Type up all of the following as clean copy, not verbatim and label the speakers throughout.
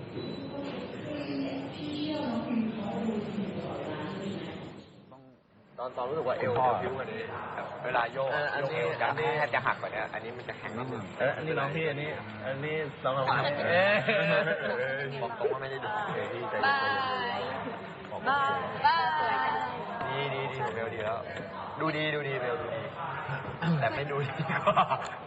Speaker 1: ตอนรู้สึกว่าเอวพิ้วกว่านี้เวลาโยกเอวกันแทบจะหักกว่านี้อันนี้มันจะแข็งนิดนึง
Speaker 2: อันนี้น้องพี่อันนี้น้องเรา
Speaker 1: บอกตรงว่าไม่ได้ดูพี่ใจ
Speaker 3: บาย
Speaker 1: ดีของเบลดีแล้วดูดีเบลดูดีแต่ไม่ดูดีกว่า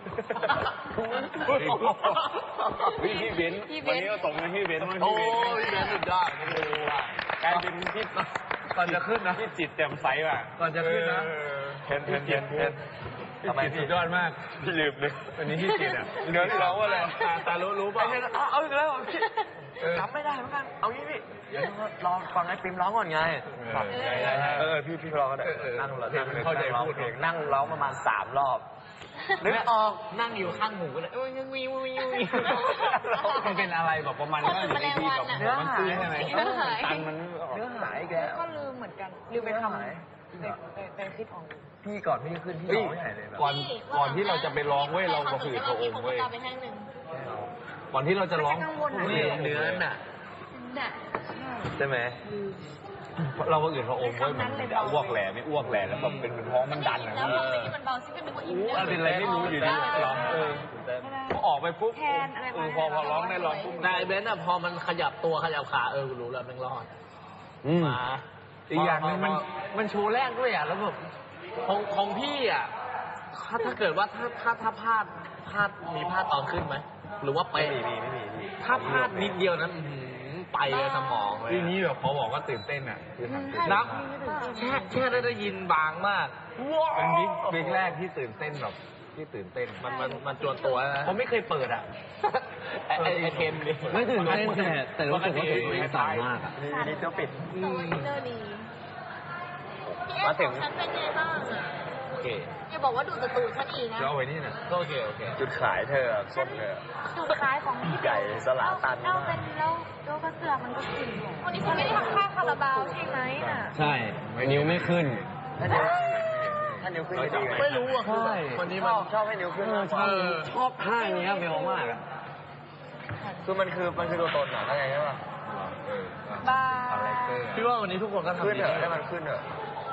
Speaker 2: พี่เบนวันนี้ก็ส่งให้พี่เบนโอ้
Speaker 1: พี่เบนสุดยอด
Speaker 2: กลายเป็นพี่ก่อนจะขึ้นนะพี่จิตแจ่มใสว่ะก่อนจะขึ้นนะ
Speaker 1: เห็น
Speaker 2: ทำไมพี่สุดยอดมาก
Speaker 1: พี่ลืมเลย
Speaker 2: วันนี้พี่จิตอ่ะ
Speaker 1: เดี๋ยวที่ร้องว่าอะไร
Speaker 2: ตารู้ป่ะ
Speaker 1: เอาอีกแล้วพี่จำไม่ได้เหมือนกันเอางี้พี่เดี๋ยวรอฟังไอ้ปิมร้องก่อนไงพี่ร้องก็ได้นั่งเข้าใจพูดเพลงนั่งร้องประมาณ3 รอบนึกออก
Speaker 3: นั่งอยู่ข้างหูเลย
Speaker 2: มันเป็นอะไรแบบประมาณว่าอยู่ในที่แบบมันตื้อใช่ไหมตันมัน
Speaker 1: เนื้อหายแก
Speaker 3: ก็ลืมเหมือนกันลืมไปทำไปคิดออก
Speaker 1: พี่ก่อนพี่ขึ้นพี่ร้องไม่หายเลย
Speaker 2: ก่อนที่เราจะไปร้องเว้ยเราก็คือพระองค์เว้ยก่อนที่เราจะร้อง
Speaker 1: นี่เนื้อน่ะใช่ไหม
Speaker 2: เราก็อื่นพระองค์เว้ยมันจะอ้วกแหล่ไม่อ้วกแหล่แล้วแบบเป็นท้องมันดันอะพี่
Speaker 3: มันเบาซิเป็นตัวอิน
Speaker 2: เป็นอะไรไม่รู้อยู่ดีร้องพอออกไปปุ๊บพอร้องได้ร้องปุ๊บ
Speaker 3: นายเบนซ์อะพอมันขยับตัวขยับขารู้แล้วมันรอด
Speaker 2: มาอีกอย่างนึงมันโชว์แรกด้วยอ่ะแล้วแบบของพี่อ่ะถ้าเกิดว่าถ้าพลาดมีพลาดตอนขึ้นไหมหรือว่าไป
Speaker 1: ไม่มี
Speaker 2: ถ้าพลาดนิดเดียวนั้นไปเลยสมองเลยทีนี้แบบพอบอกว่าตื่นเต้นอ่ะคือนับแค่ได้ยินบางมากเป็นบิ๊กแรกที่ตื่นเต้นแบบที่ตื่นเต้นมันจวนตัวนะผมไม่เคยเปิดอ่ะไอเทมเลย
Speaker 4: ไม่ตื่นเต้นแต่รู้สึกว่าตื่นเต้นสายมากอ่ะ
Speaker 1: นี่เจ้าปิด
Speaker 3: มาถึงฉันเป็นไงบ้างอ่ะ
Speaker 2: โอเค
Speaker 3: อย่าบอกว่าดูแต่ตูดฉันอีกนะ
Speaker 2: เอาไว้นี่นะโอเค
Speaker 1: จุดขายเธอส้มเธอ
Speaker 3: จุดขายของ
Speaker 1: ใหญ่สลาตัน
Speaker 3: เอาเป็นแล้วก็เสือมันก็ขึ้นวันนี้ฉันไม่ได้ทำค่าคาราบาวใช่ไหมน่ะ
Speaker 4: ใช่นิ้วไม่ขึ้น
Speaker 1: ถ้านิ้วขึ้น
Speaker 2: ไม่รู้อ่ะคือวันนี้มัน
Speaker 1: ชอบให้นิ้วขึ้น
Speaker 4: ชอบท่านี้เบลมากอ่ะ
Speaker 1: คือมันคือตัวตนอ่ะอะไรใช่ป่ะ
Speaker 3: บ้า
Speaker 2: พี่ว่าวันนี้ทุกคนก็ทำ
Speaker 1: ขึ้นเถอะให้มันขึ้นเถอะ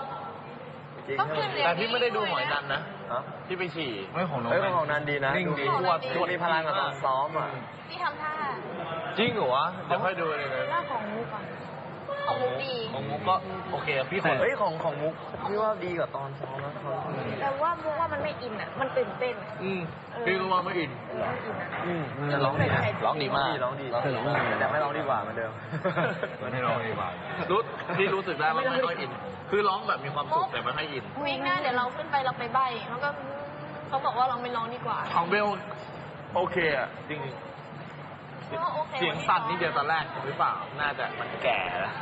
Speaker 2: แต่พี่ไม่ได้ดูหมอยนันนะที่ไปฉี่ไม่ของ
Speaker 1: นันดีนะดูมีพลังกับตอนซ้อมอ่ะ
Speaker 3: พี่ทำท่า
Speaker 2: จริงเหรอวะเดี๋ยวค่อยดูเลยนะ
Speaker 3: ท่าของมุกอ่ะของมุกดี
Speaker 2: ของมุกก็โอเคพี่
Speaker 1: ของมุกพี่ว่าดีกว่าตอนซ้อมนะ
Speaker 3: แต่ว่ามุกว่ามันไม่อินอ่ะมันตื่นเต้น
Speaker 2: พี่ก็ว่าไม่อิน
Speaker 1: จะร้องดีนะ
Speaker 2: ร้องดีมาก
Speaker 1: แต่ไม่ร้องดีกว่าเหมือนเดิม
Speaker 2: ไม่ร้องดีกว่าที่รู้สึกได้ว่าไม่ค่อยอินคือร้องแบบมีความสุขแต่ไม่ค่อยอิน
Speaker 3: วิ่งหน้าเดี๋ยวเราขึ้นไปเราไปใบ้แล้วก็เขาบอกว่าเราไม่ร้องดีกว่า
Speaker 2: ของเบลโอเคอ่ะจริงเสียงสั่นนี่เดียวตอนแรกหรือเปล่าน่าจะ
Speaker 1: มันแก่แล้ว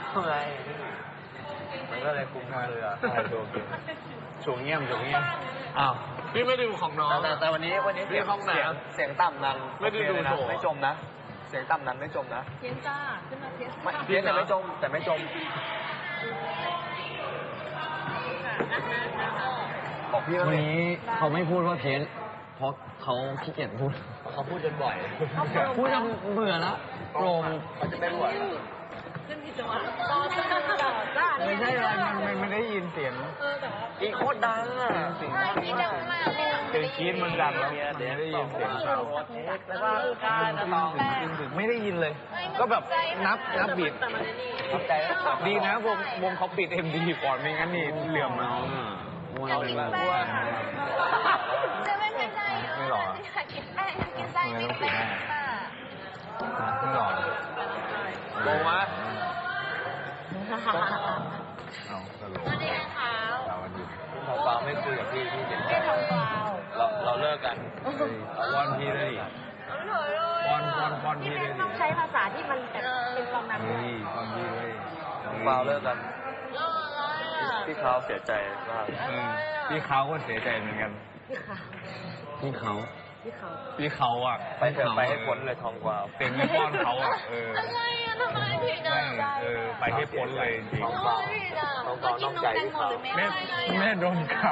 Speaker 1: มันก็เลยคุ้มค่าเลยอ่ะ
Speaker 2: ช่วงเงียบอ้าวพี่ไม่ดูของน้อง
Speaker 1: แต่วันนี้เสียงต่ำนั้น
Speaker 2: ไม่ได้ดูโชว์
Speaker 1: ไม่จมนะเสียงต่ำนั้นไม่จมนะ
Speaker 3: เพี้ยนจ้าขึ้นมาเพี้ยน
Speaker 1: แต่ไม่จมบอกพี่
Speaker 4: วันนี้เขาไม่พูดว่าเพี้ยนเพราะเขาขี้เกียจพูด
Speaker 2: เขาพูดจนบ่อย
Speaker 4: พูดจนเบื่อแล้วโปร่ง
Speaker 1: เขาจะไม่บ่อย
Speaker 3: ขึ้นผิดจังหวะตอนจ้า
Speaker 2: ไม่ใช่อะไรมันไม่ได้ยินเสียง
Speaker 1: อีโคตรดังอ่ะ
Speaker 3: ใช่ที่ดังมาก
Speaker 2: คือคีนมันดังแล้วเดี๋ยวได้ยินเสียงเขา
Speaker 3: แล้วก็การต่อ
Speaker 2: ไม่ได้ยินเลยก็แบบนับบีทดีนะวงเขาปิด MD ก่อนไม่งั้นนี่เหลื่อม
Speaker 3: เรากินแป้งจะไม่เป็นไร
Speaker 2: ไม่หรอ
Speaker 3: กินแป้งกินไส้ไม่แป้ง
Speaker 2: ไม่หรอโกงวะ
Speaker 3: สวัสดีค่ะ
Speaker 1: ทองฟ้าไม่คุยกับพี่เด็กเราเลิกกัน
Speaker 2: วอนพี่เลยวอนพี่เลย
Speaker 3: ต้องใช้ภาษาที่มันเป็นความนั้น
Speaker 2: วอนพี่เลย
Speaker 1: ฟ้าเลิกกันพี่เขาเสียใจมาก
Speaker 2: พี่เขาก็เสียใจเหมือนกัน
Speaker 4: พี่
Speaker 2: เขาอ่ะ
Speaker 1: ไปเถอะไปให้พ้นเลยทองกวาว
Speaker 2: เต็มไม่ป้อนเขาอ่ะ
Speaker 3: อะไรอ่ะทำไมผิดอ่ะ
Speaker 2: ไปให้พ้นเลยจริง
Speaker 1: ทองกวาวต้องใจที่เขา
Speaker 2: แม่โดนเขา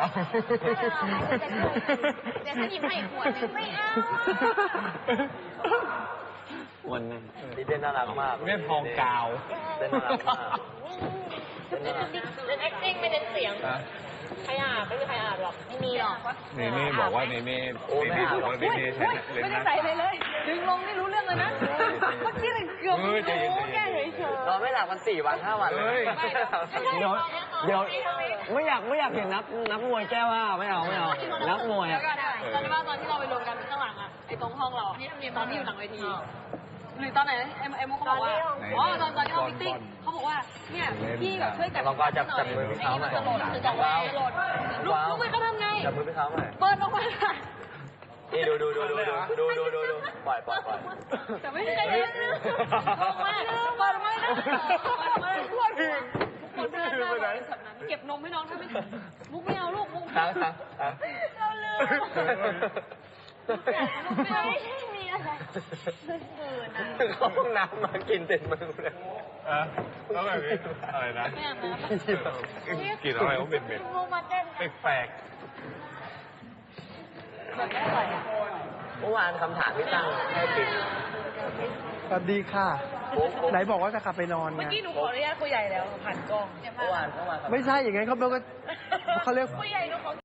Speaker 3: เดี๋ยวฉันหยิบให้ขวดนึงไม่เอา
Speaker 4: วันนั้น
Speaker 1: พี่เต้นน่ารักมาก
Speaker 2: เล่นทองกาว
Speaker 1: เต้นน่ารักมาก
Speaker 3: เล่น acting ไม่เน้นเสียงใครอาบไม่มีใครอาบหรอกไม่มีหรอก
Speaker 2: เนเน่บอกว่าเนเน่บอกว่าเนเน่ใช้เล่น
Speaker 3: ไม่ได้
Speaker 2: นะ
Speaker 3: ใส่เลยเลยดึงลงนี่รู้เรื่องเลยนะเมื่อกี้เลยเกือบรู้แก้เฉย
Speaker 1: นอนไม่หลับกัน4 วัน 5 วันเลย
Speaker 4: เดี๋ยวไม่อยากเห็นนักมวยแก้ว่าไม่เอานักมวย
Speaker 3: แล้ว
Speaker 4: อ่ะ
Speaker 3: ก็ได้ตอนที่ว่าตอนที่เราไปรวมกันข้างหลังอ่ะไอ้ตรงห้องเราตอนที่อยู่หลังเวทีหรือตอนไหนเอ็มเขาบอกว่าอ๋อตอนที่เรามิทติ้งเขาบอกว่าเนี่ยพี่แบบช่วยจับ
Speaker 1: ลองก็จับมือพี่เขาหน่อย
Speaker 3: จับมือลูกมือเขาทำไง
Speaker 1: จับมือพี่เขาหน่อย
Speaker 3: เปิดออกมา
Speaker 1: นี่ดูปล่อย
Speaker 3: แต่ไม่ใช่เลยเปิดมาเปิดมาเก็บนมให้น้องถ้าไม่มุกไม่เอาลูกมุก
Speaker 1: ค้าง
Speaker 3: เราลืมไม่มีอะไร
Speaker 1: เข้าห้องน้ำมากินเต็มมือเลย
Speaker 2: แล้วแบบนี้อะไรนะ
Speaker 3: ไม่อาบน้ำ
Speaker 2: กินอะไรก็เป็นเม็ด
Speaker 3: มุกมาเต้น
Speaker 2: แปลก
Speaker 1: เมื่อวานคำถามที่ตั้งให้ปิ๊ม
Speaker 5: สวัสดีค่ะ ไหนบอกว่าจะกลับไปนอนไง
Speaker 3: เมื่อกี้หนูขออนุญาตคุยใหญ่แล้วผ่านกล้อง
Speaker 1: เมื่อวาน
Speaker 5: ไม่ใช่อย่างงั้นเขาเรียก
Speaker 3: คุยใหญ่หนูขอ